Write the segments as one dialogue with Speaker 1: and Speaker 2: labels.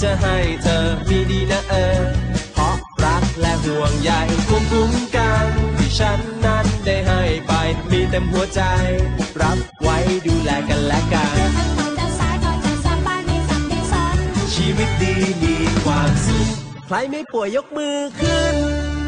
Speaker 1: จะให้เธอมีดีนะเพราะรักและห่วงใยภูมิคุ้มกันที่ฉันนั้นได้ให้ไปมีเต็มหัวใจรับไว้ดูแลกันและกันชีวิตดีมีความสุขใครไม่ป่วยยกมือขึ้น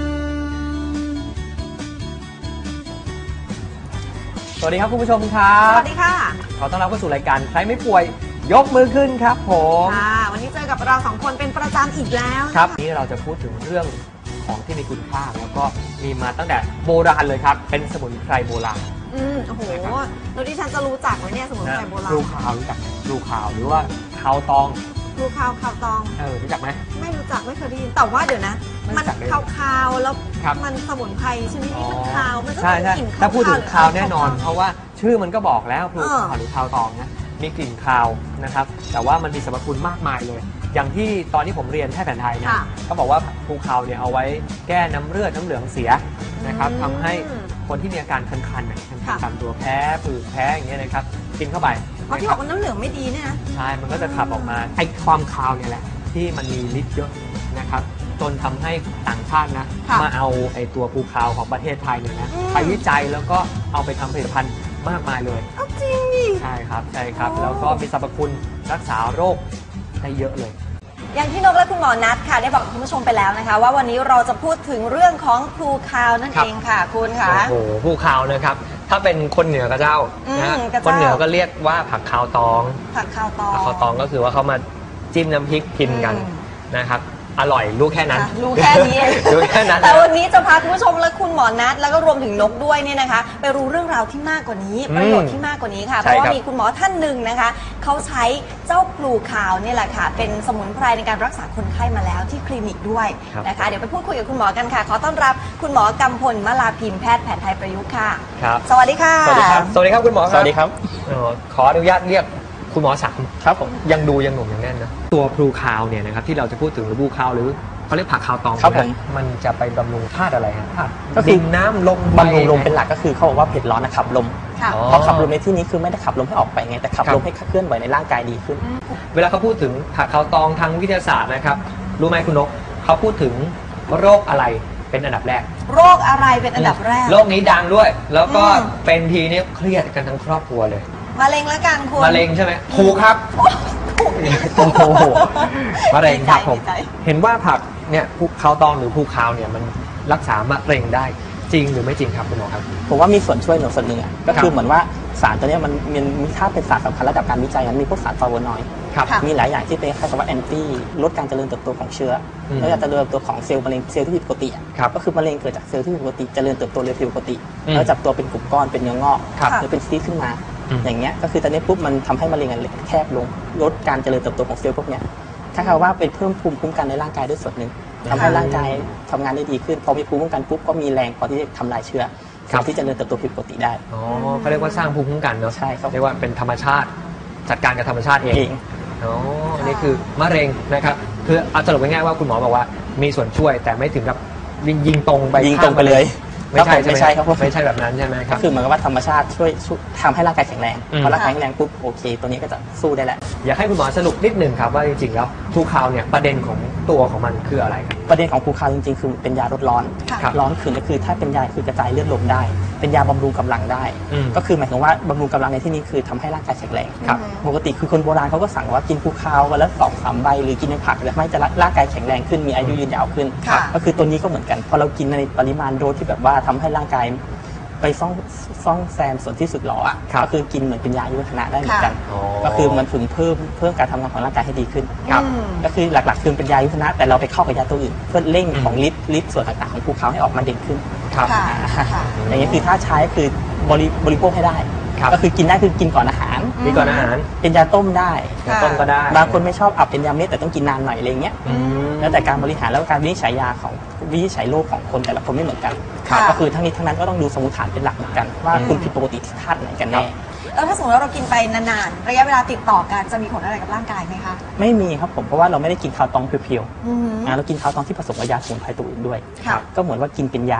Speaker 2: สวัสดีครับคุณผู้ชมครับ
Speaker 3: สวัสดีค่ะ
Speaker 2: ขอต้อนรับเข้าสู่รายการใครไม่ป่วยยกมือขึ้นครับผม
Speaker 3: วันนี้เจอกับเราสองคนเป็นประจำอีกแล้ว
Speaker 2: ครับนี่เราจะพูดถึงเรื่องของที่มีคุณค่าแล้วก็มีมาตั้งแต่โบราณเลยครับเป็นสมุนไพรโบราณ
Speaker 3: โอ้โหแล้วที่ฉันจะรู้จักไหมเนี่ยสมุนไพรโบราณ
Speaker 2: ลูขาวรู้จักลูขาวหรือว่าขาวตอง
Speaker 3: ลูขาวขาวตอง
Speaker 2: รู้จักไหม
Speaker 3: ไม่รู้จักไม่เคยได้ยินแต่ว่าเดี๋ยวนะมันขาวๆแล้วมันสมุนไพรชนิดนี้มันขาวมันก็มีกลิ่นขาว
Speaker 2: ถ้าพูดถึงขาวแน่นอนเพราะว่าชื่อมันก็บอกแล้วลูขาวหรือขาวตองนะมีกลิ่นคาวนะครับแต่ว่ามันมีสรรพคุณมากมายเลยอย่างที่ตอนที่ผมเรียนแพทย์แผนไทยนะเขาบอกว่าภูคาวเนี่ยเอาไว้แก้น้ำเลือดน้ำเหลืองเสียนะครับทำให้คนที่มีอาการคันๆตามตัวแพ้ผื่นแพ้อย่างเงี้ยนะครับกินเข้าไป
Speaker 3: ที่บอกว่าน้ำเหลืองไม่ดีเนี่ยนะ
Speaker 2: ใช่มันก็จะขับออกมาไอ้ความคาวเนี่ยแหละที่มันมีฤทธิ์เยอะนะครับจนทำให้ต่างชาตินะมาเอาไอ้ตัวภูคาวของประเทศไทยเนี่ยนะไปวิจัยแล้วก็เอาไปทำผลิตภัณฑ์มากมายเลย
Speaker 3: จริงดิ
Speaker 2: ใช่ครับแล้วก็มีสรรพคุณรักษาโรคได้เยอะเลย
Speaker 3: อย่างที่นกและคุณหมอนัทค่ะได้บอกคุณผู้ชมไปแล้วนะคะว่าวันนี้เราจะพูดถึงเรื่องของพลูคาวนั่นเองค่ะคุณค่ะ
Speaker 2: โอ้โหพลูคาวนะครับถ้าเป็นคนเหนือก็เจ้านะคนเหนือก็เรียกว่าผักคาวตอง
Speaker 3: ผักคาวต
Speaker 2: องก็คือว่าเขามาจิ้มน้ำพริกกินกันนะครับอร่อยรู้แค่นั้น
Speaker 3: รู้แค่นี้
Speaker 2: รู้แค่นั้น
Speaker 3: แต่วันนี้จะพาคุณผู้ชมและคุณหมอนัทแล้วก็รวมถึงนกด้วยเนี่ยนะคะไปรู้เรื่องราวที่มากกว่านี้ประโยชน์ที่มากกว่านี้ค่ะเพราะว่ามีคุณหมอท่านหนึ่งนะคะเขาใช้เจ้าพลูคาวนี่แหละค่ะเป็นสมุนไพรในการรักษาคนไข้มาแล้วที่คลินิกด้วยนะคะเดี๋ยวไปพูดคุยกับคุณหมอกันค่ะขอต้อนรับคุณหมอกำพลมลาพิมพ์แพทย์แผนไทยประยุกต์ค่ะ
Speaker 2: ครับ
Speaker 3: สวัสดีค่ะ
Speaker 2: สวัสดีครับสวัสดีครับคุณหมอ
Speaker 4: สวัสดีครับ
Speaker 2: ขออนุญาตเรียกคุณหมอศักดิ์ครับผมยังหนุ่มยังแน่นนะตัวพลูคาวเนี่ยนะครับที่เราจะพูดถึงหรือพลูคาวหรือเขาเรียกผักคาวตอง
Speaker 4: ครับผม
Speaker 2: มันจะไปบำรุงธาตุอะไรครับ
Speaker 4: ก็คือน้ำลมบำรุงลมเป็นหลักก็คือเขาบอกว่าเผ็ดร้อนนะขับลมพอขับลมในที่นี้คือไม่ได้ขับลมให้ออกไปไงแต่ขับลมให้เคลื่อนไหวในร่างกายดีขึ้น
Speaker 2: เวลาเขาพูดถึงผักคาวตองทางวิทยาศาสตร์นะครับรู้ไหมคุณนกเขาพูดถึงโรคอะไรเป็นอันดับแรก
Speaker 3: โรคอะไรเป็นอันดับแรก
Speaker 2: โรคนี้ดังด้วยแล้วก็เป็นทีนี้เครียดกันทั้งครอบครัวเลย
Speaker 3: มะเร็งแล้วกันคุณ
Speaker 2: มะเร็งใช่ไหมถูกครับโอ้โหมะเร็งครับผมเห็นว่าผักเนี่ยภูคาวตองหรือภูคาวเนี่ยมันรักษามะเร็งได้จริงหรือไม่จริงครับคุณหมอครับ
Speaker 4: ผมว่ามีส่วนช่วยส่วนหนึ่งก็คือเหมือนว่าสารตัวนี้มันมีค่าเป็นสารสำคัญระดับการวิจัยมันมีพวกสารฟลาโวนอยด์มีหลายอย่างที่เป็นคล้ายกับว่าแอนตี้ลดการเจริญเติบโตของเชื้อแล้วการเจริญเติบโตของเซลล์มะเร็งเซลล์ที่ผิดปกติก็คือมะเร็งเกิดจากเซลล์ที่ผิดปกติเจริญเติบโตเร็วผิดปกติแล้วจับตัวเป็นกลุ่มก้อนเป็นเนื้องอกหรือเป็นซีสต์ขึ้นมาอย่างเงี้ยก็คือตอนนี้ปุ๊บมันทำให้มะเร็งแคบลงลดการเจริญเติบโตของเซลล์พวกเนี้ยถ้าเขาว่าเป็นเพิ่มภูมิคุ้มกันในร่างกายด้วยส่วนหนึ่งทำให้ร่างกายทำงานได้ดีขึ้นพอมีภูมิคุ้มกันปุ๊บก็มีแรงพอที่จะทำลายเชื้อที่จะเจริญเติบโตผิดปกติได้
Speaker 2: เขาเรียกว่าสร้างภูมิคุ้มกันเนาะ
Speaker 4: ใช่ครับ
Speaker 2: เรียกว่าเป็นธรรมชาติจัดการกับธรรมชาติเองอันนี้คือมะเร็งนะครับคือเอาสรุปง่ายๆว่าคุณหมอบอกว่ามีส่วนช่วยแต่ไม่ถึงกับยิงตรงไปเลยไม่ใช่ครับไม่ใช่แบบนั้นใช่ไหมครับ
Speaker 4: คือเหมือนกับว่าธรรมชาติช่วยทำให้ร่างกายแข็งแรงพอร่างกายแข็งแรงปุ๊บโอเคตัวนี้ก็จะสู้ได้แหละ
Speaker 2: อยากให้คุณหมอสรุปนิดหนึ่งครับว่าจริงๆแล้วภูคาวเนี่ยประเด็นของตัวของมันคืออะไรครับ
Speaker 4: ประเด็นของภูคาวจริงๆคือเป็นยาลดร้อนร้อนขึ้นก็คือถ้าเป็นยาคือกระจายเลือดลมได้เป็นยาบำรุงกำลังได้ก็คือหมายถึงว่าบำรุงกำลังในที่นี้คือทำให้ร่างกายแข็งแรงปกติคือคนโบราณเขาก็สั่งว่ากินภูคาววันละ2-3 ใบหรือกินในผักแล้วไม่จะร่างกายแข็งแรงขึ้นมีอายุยืนยาวขึ้นก็คือตัวนี้ก็เหมือนกันพอเรากินในปริมาณโดสที่แบบว่าทำให้ร่างกายไปซ่องแซมส่วนที่สึกหรอก็คือกินเหมือนเป็นยาอายุวัฒนะได้เหมือนกันก็คือมันถึงเพิ่มการทำงานของร่างกายให้ดีขึ้นก็คือหลักๆคือเป็นยาอายุวัฒนะแต่เราไปเข้ากับยาตัวอื่นเพื่อเร่งของฤทธิ์ส่วนต่างๆของภูเขาให้ออกมาเด่นขึ้นอย่างนี้คือถ้าใช้คือบริโภคให้ได้ก็คือกินได้คือกินก่อนอาหารเป็นยาต้มได้
Speaker 2: ต้มก็ได้
Speaker 4: บางคนไม่ชอบเป็นยาเม็ดแต่ต้องกินนานหน่อยอะไรเงี้ยแล้วแต่การบริหารแล้วการวินิจฉัยยาของวินิจฉัยโรคของคนแต่ละคนไม่เหมือนกันก็คือทั้งนี้ทั้งนั้นก็ต้องดูสมมติฐานเป็นหลักเหมือนกันว่าคุณผิดปกติที่ธาตุไหนกันแน่
Speaker 3: แล้วถ้าสมมติว่าเรากินไปนานๆระยะเวลาติดต่อกันจะมีผลอะไรกับร่างกายไหมคะ
Speaker 4: ไม่มีครับผมเพราะว่าเราไม่ได้กินคาวตองเพียวๆเรากินคาวตองที่ผสมกับยาสมุนไพรตัวอื่นด้วยก็เหมือนว่ากินเป็นยา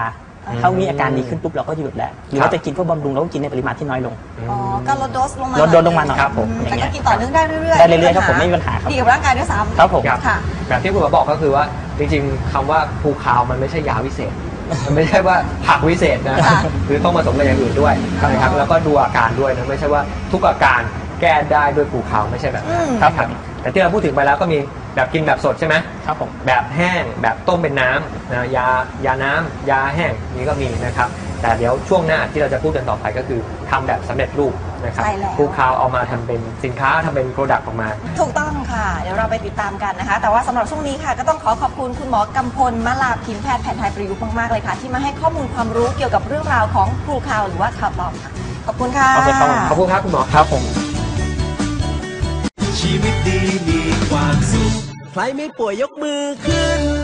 Speaker 4: ถ้ามีอาการดีขึ้นปุ๊บเราก็หยุดแล้วหรือว่าจะกินพวกบำรุงเราก็กินในปริมาณที่น้อยลง
Speaker 3: อ๋อก็ลดโดสลงมา
Speaker 4: ลดโดสลงมาหน่อยครับผม
Speaker 3: แต่ก็กินต่อเนื่องได้เรื่อยๆ
Speaker 4: ได้เรื่อยๆครับผมไม่มีปัญหาครับ
Speaker 3: ดีกับร่างกายด้วยซ้ำ
Speaker 4: ครับผม
Speaker 3: ค่ะ
Speaker 2: แบบที่คุณหมอบอกก็คือว่าจริงๆคำว่าภูคาวมันไม่ใช่ยาวิเศษมันไม่ใช่ว่าผักวิเศษนะคือต้องผสมกับอย่างอื่นด้วยนะครับแล้วก็ดูอาการด้วยนะไม่ใช่ว่าทุกอาการแก้ได้ด้วยภูคาวไม่ใช่แบบนั้นครับแต่ที่เราพูดถึงไปแล้วก็มีแบบกินแบบสดใช่ไหม
Speaker 4: ครับผม
Speaker 2: แบบแห้งแบบต้มเป็นน้ำนะยาน้ำยาแห้งนี้ก็มีนะครับแต่เดี๋ยวช่วงหน้าที่เราจะพูดกันต่อไปก็คือทำแบบสำเร็จรูปนะครับภูคาวเอามาทำเป็นสินค้าทำเป็นโปรดักต์ออกมา
Speaker 3: ถูกต้องค่ะเดี๋ยวเราไปติดตามกันนะคะแต่ว่าสำหรับช่วงนี้ค่ะก็ต้องขอบคุณคุณหมอกำพลมลาพิมแพทย์แผนไทยประยุกต์มากๆเลยค่ะที่มาให้ข้อมูลความรู้เกี่ยวกับเรื่องราวของภูคาวหรือว่าข่าวปลอมค่ะขอบคุณค่ะ
Speaker 2: ขอบคุณครับคุณหมอครับผม
Speaker 1: ชีวิตดีมีความสุขใครไม่ป่วยยกมือขึ้น